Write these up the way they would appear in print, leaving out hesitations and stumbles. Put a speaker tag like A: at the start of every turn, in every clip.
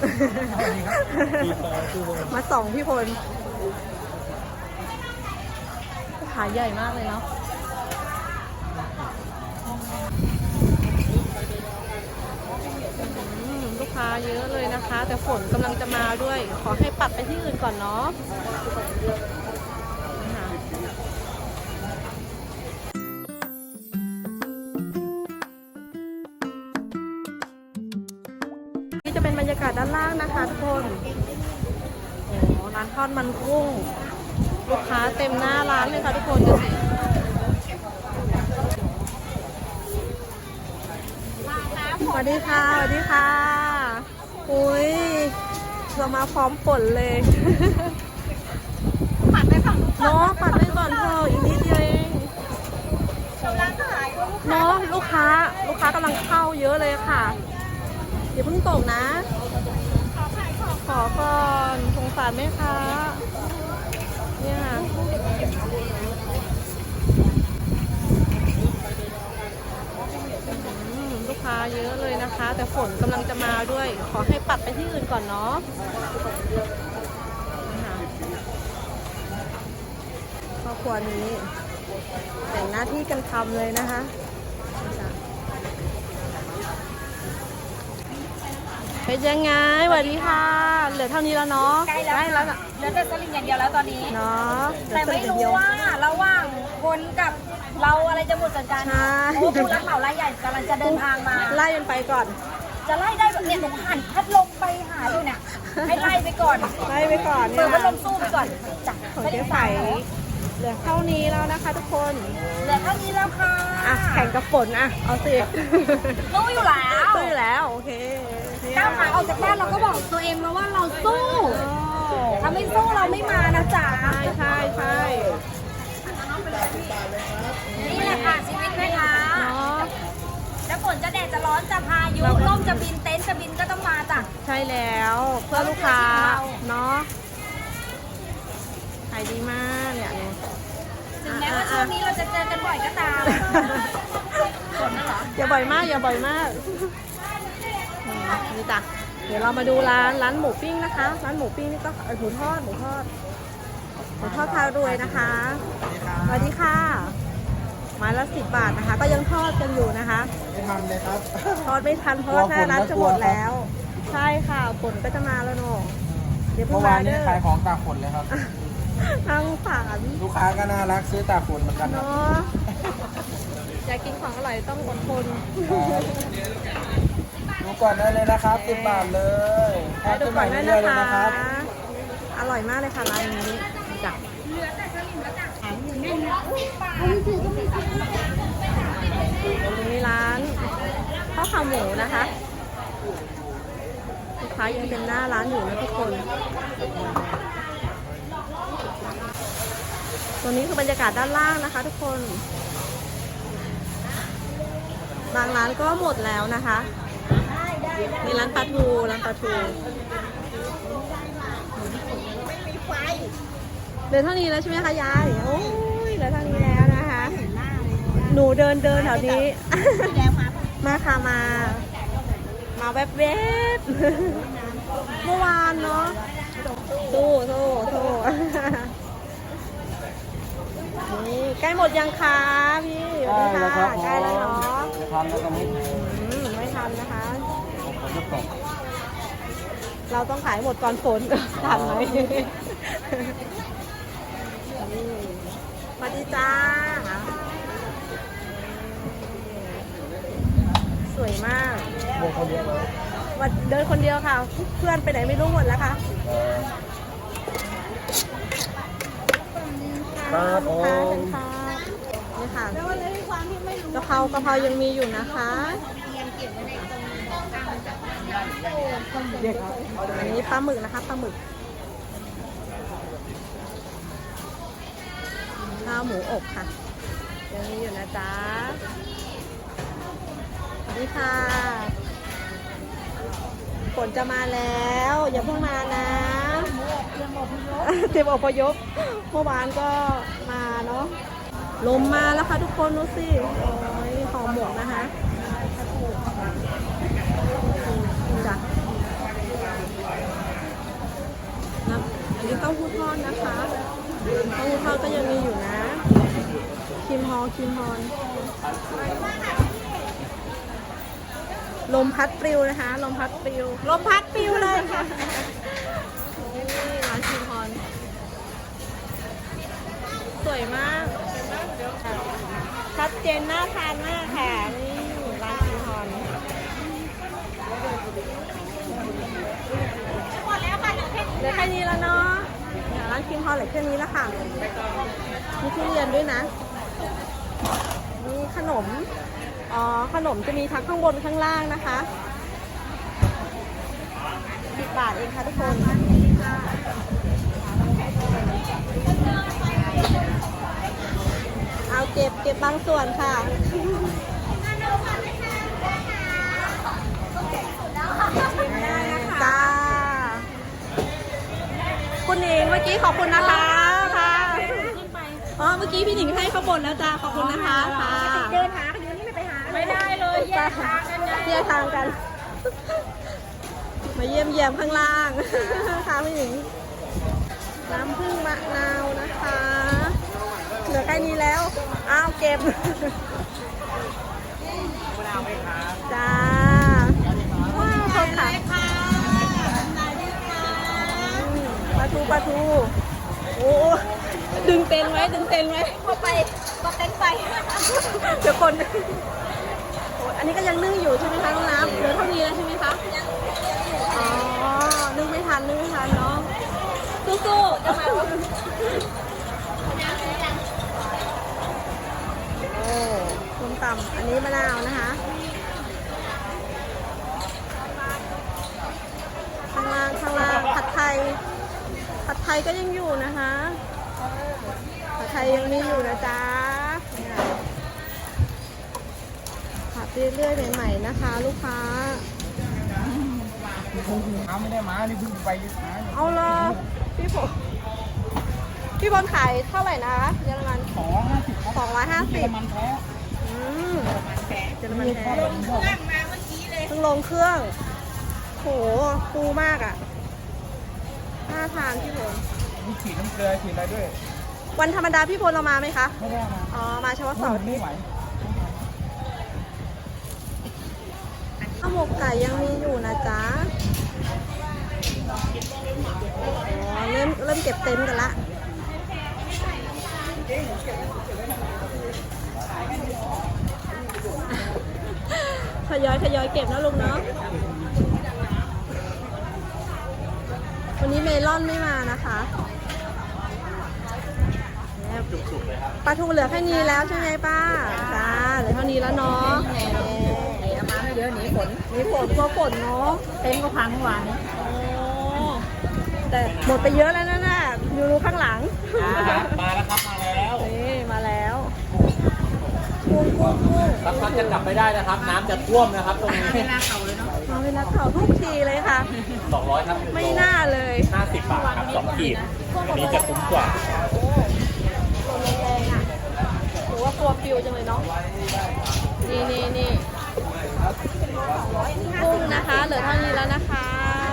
A: มาส่องพี่พลขาใหญ่มากเลยเนาะลูกค้าเยอะเลยนะคะ แต่ฝนกำลังจะมาด้วยขอให้ปัดไปที่อื่นก่อนเนาะนี่จะเป็นบรรยากาศด้านล่างนะคะทุกคนโอ้ร้านทอดมันกุ้งลูกค้าเต็มหน้าร้านเลยค่ะทุกคนดูสิสวัสดีค่ะสวัสดีค่ะอุ้ยเรามาพร้อมฝนเลยปัดไปฝั่งเนาะปัดไปก่อนเธออีกนิดเดียวเองเนาะลูกค้ากำลังเข้าเยอะเลยค่ะอย่าเพิ่งตกนะขอก่อนสงสารแม่ค้าเนี่ยค่ะลูกค้าเยอะเลยนะคะ แต่ฝนกำลังจะมาด้วยขอให้ปัดไปที่อื่นก่อนเนาะครอบครัวนี้แต่งหน้าที่กันทำเลยนะคะเป็นยังไงสวัสดีค่ะเหลือเท่านี้แล้วเนาะ
B: ใกล้แล้วเหลือแต่สลิงอย่างเดียวแล้วตอนนี้
A: เนาะ
B: แต่ไม่รู้ว่าระหว่างคนกับเราอะไรจะหมดกันโอ้ผู้รับเหมารายใหญ่กำลังจะเดินทางมา
A: ไล่กันไปก่อน
B: จะไล่ได้แบบเนี่ยหนูหันพัดลมไปหาดูเนี่ยให้ไล่ไปก่อน
A: ไล่ไปก่อน
B: เปิดพัดลมสู้ไปก่อนจ้ะ
A: ของเจ๊ใสเหลือเท่านี้แล้วนะคะทุกคน
B: เหลือเท่านี้แล้วค่ะ
A: แข่งกับฝนเอาสิ
B: สู้อยู่
A: แล้วโอเค
B: ก้าวขาออกจากบ้านเราก็บอกตัวเองแล้วว่าเราสู้ถ้าไม่สู้เราไม่มานะจ๊ะ
A: ใช่
B: นี่แหละค่ะชีวิตแม่ค้าจะฝนจะแดดจะร้อนจะพายุร่มจะบินเต็นท์จะบินก็ต้องมาจ้ะ
A: ใช่แล้วเพื่อลูกค้าเนาะขายดีมากเนี่ย
B: ถึงแม้ว่าช่วงนี้เราจะเจอกันบ่อยก็ตามฝนน่ะเหรอ
A: อย่าบ่อยมากนี่จ้ะเดี๋ยวเรามาดูร้านหมูปิ้งนะคะร้านหมูปิ้งนี่ก็หมูทอดพารวยนะคะสวัสดีค่ะไม้ละ10 บาทนะคะก็ยังทอดกันอยู่นะคะ
C: ไม่ทันเลยครับ
A: ทอดไม่ทันเพราะว่าหน้าร้านจะหมดแล้วใช่ค่ะฝนก็จะมาแล้วเนาะ
C: เดี๋ยวเมื่อวานนี้ขายของตากฝนเลยครับ
A: ทั้งฝาน
C: ลูกค้าก็น่ารักซื้อตากฝนเหมือนกัน
A: เนาะอยากกินของอร่อยต้องอดทน
C: ดูก่อนได้เลยนะครับ10 บาทเลย
A: ดูก่อนได้เลยนะครับอร่อยมากเลยค่ะร้านนี้จ้ะมีร้านข้าวขาหมูนะคะลูกค้ายังเป็นหน้าร้านอยู่นะทุกคนตัวนี้คือบรรยากาศด้านล่างนะคะทุกคนบางร้านก็หมดแล้วนะคะมีร้านปลาทูเหลือเท่านี้แล้วใช่ไหมคะยายโอ้ยเหลือเท่านี้แล้วนะคะหนูเดินแถวนี้มาค่ะมาแวบเมื่อวานเนาะโซ่นี่ใกล้หมดยังคะพี่สวัสดีค่ะใกล้แล้วเนาะไม่ทันนะคะเราต้องขายหมดก่อนฝนทันไหมสวัสดีจ้าสวยมากเดินคนเดียวค่ะเพื่อนไปไหนไม่รู้หมดแล้วค่ะ
C: ครับโอ้
A: นี่ค่ะกะเพรายังมีอยู่นะคะอันนี้ปลาหมึกนะคะปลาหมึกข้าวหมูอบค่ะยังมีอยู่นะจ๊ะสวัสดีค่ะฝนจะมาแล้วอย่าเพิ่งมานะเตรียมอพยพเมื่อวานก็มาเนาะลมมาแล้วค่ะทุกคนดูสิโอ้ยหอมหมวกนะคะจ้ะอครีมฮอนลมพัดปลิวนะคะ ลมพัดปลิว ลมพัดปลิวเลยค่ะนี่ร้านครีมฮอนสวยมากชัดเจนน่าทานมากค่ะนี่ร้านครีมฮอน
B: หมดแล้วค่ะเหลือแค่นี้
A: เหลือแค่นี้แล้วเนาะร้านครีมฮอนเหลือแค่นี้แล้วค่ะมีทุเรียนด้วยนะมีขนมขนมจะมีทั้งข้างบนข้างล่างนะคะ10 บาทเองค่ะทุกคนเอาเก็บบางส่วนค่ะจ้าคุณหนิงเมื่อกี้ขอบคุณนะคะค่ะเมื่อกี้พี่หนิงให้ข้าวบนแล้วจ้าขอบคุณนะคะค่ะ
B: เดินหากันอยู่นี่ไม่ไปหาไม่ได้เลยแยกทางกันนะ
A: แยกทางกัน มาเยี่ยมข้างล่างค่ะพี่หนิงน้ำผึ้งมะนาวนะคะเหลือใกล้นี้แล้วอ้าวเก็บจ้าว้าวเขาขายปลาทูโอ้ดึงเต็นไว้
B: พอไปก็เต้นไป
A: เดี๋ยวคนโอ้อันนี้ก็ยังนึ่งอยู่ใช่ไหมคะน้องน้ำเหลือเท่านี้แล้วใช่ไหมคะอ๋อนึ่งไม่ทันเนาะสู้ๆจะมาโอ้ส้มตำอันนี้มะนาวนะคะข้างล่างผัดไทยก็ยังอยู่นะคะผัดไทยยังมีอยู่นะจ๊ะเนี่ยผัดเรื่อยๆใหม่ๆนะคะ ลูกค้า
C: เอาไม่ได้มานี่เพิ่งไปมา
A: เอาเลยพี่บอลขายเท่าไหร่นะเยอรมัน
C: 250 มันแท้
A: เยอรมันแท้
B: เครื่องมาเมื่อกี้เลย
A: เพิ่งลงเครื่องโหฟูมากอ่ะน่าทานพี่พล
C: มีฉีดน้ำเกลือฉีดอะไรด้วย
A: วันธรรมดาพี่พลเรามาไหมคะ
C: ไม่ได้มา
A: อ๋อมาเฉพาะเสาร์อาทิ
C: ไม่
A: ตย์
C: ไหว
A: ข้าวหมกไก่ยังมีอยู่นะจ๊ะอ๋อเริ่มเก็บเต็นท์กันละทยอยเก็บนะลุงเนาะวันนี้เมลอนไม่มานะคะปลาทูเหลือแค่นี้แล้วใช่ไหมป้าจ้าเหลือเท่านี้แล้วเนาะ
B: เอามาไม่เยอะหนีฝน
A: มีฝนกลัวฝนเนาะ
B: เต็นท์ก็พังเมื่อวานนี้
A: แต่หมดไปเยอะแล้วนะน่ะอยู่ข้างหลัง
C: มาแล้วครับ มาแล้ว
A: นี่มาแล้วกุ้ง
C: สักพักจะกลับไม่ได้นะครับ น้ำจะท่วมนะครับตรงนี้
B: เวลาเขาเลยเนาะ
A: มาเวลาเข่าทุกทีเลยค่ะ
C: 200 ครับ
A: ไม่น่าเลย
C: 50 บาทครับ2 ขีด อันนี้จะคุ้มกว่า
A: ลมแรงอ่ะหรือว่าตัวปิวจังเลยเนาะนี่กุ้งนะคะเหลือเท่านี้แล้วนะคะ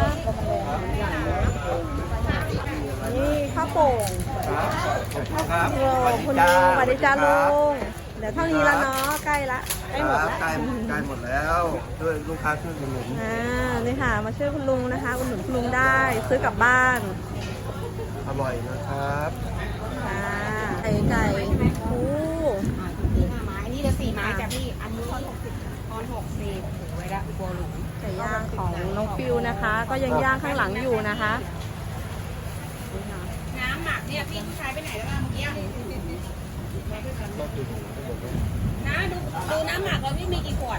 A: นี่ข้าวโป่ง
C: ครับ
A: โอ้คุณลุงสวัสดีจ้าลุงเดี๋ยวเท่านี้แล้วเนาะใกล้ละใกล้หมดแล้ว
D: ใกล้หมดแล้วด้วยลูกค้าช่วยกันหนุน
A: นี่ค่ะมาช่วยคุณลุงนะคะอุดหนุนคุณลุงได้ซื้อกลับบ้าน
D: อร่อยนะครับ
A: ไก่โอ้
B: 5 ไม้นี่จะ4 ไม้จ้ะพี่ อันนี้ทอน60ถูกไว้ละกลัวหลุม
A: ไก่ย่างของน้องฟิวนะคะ ก็ยังย่างข้างหลังอยู่นะคะ
B: น้ำหมักเนี่ยพี่ผู้ชายไปไหนแล้วบ้างเมื่อกี้นะดูน้ำหมักเราพี่มีกี่ขวด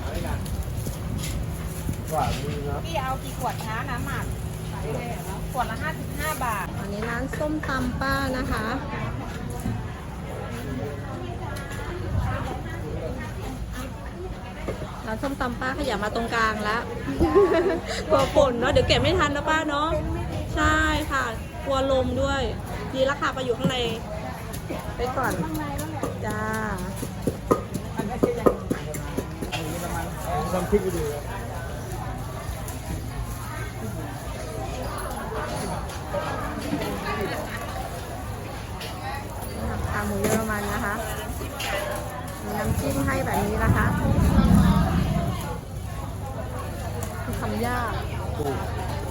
D: หวานดีครับ
B: พี่เอากี่ขวดคะน้ำหมักขวดละ55 บาท
A: อันนี้ร้านส้มตำป้านะคะร้านส้มตำป้าขยับมาตรงกลางแล้ว กลัวฝนเนาะเดี๋ยวเก็บไม่ทันนะป้าเนาะใช่ค่ะกลัวลมด้วยดีราคาไปอยู่ข้างในไปก่อนจ้า
C: ทำพริกไปดู
A: ขาหมูเยอรมันนะคะำยาก
C: ถูก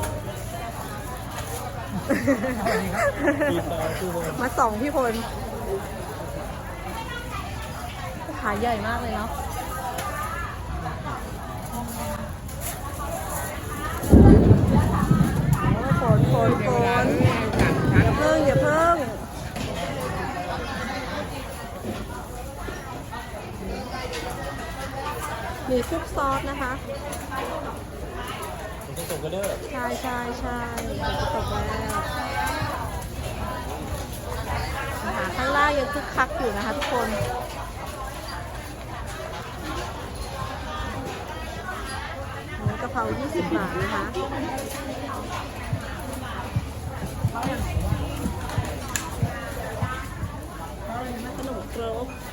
A: มาส่องพี่พลขาใหญ่มากเลยเนาะฝนอย่าเพิ่งมีซุปซอสนะคะ
C: มันจะส่งกันเด้อ
A: ใช่จะตกแล้วนะคะข้างล่างยังคึกคักอยู่นะคะทุกคนหมูกะเพรา20 บาทนะคะขนมครก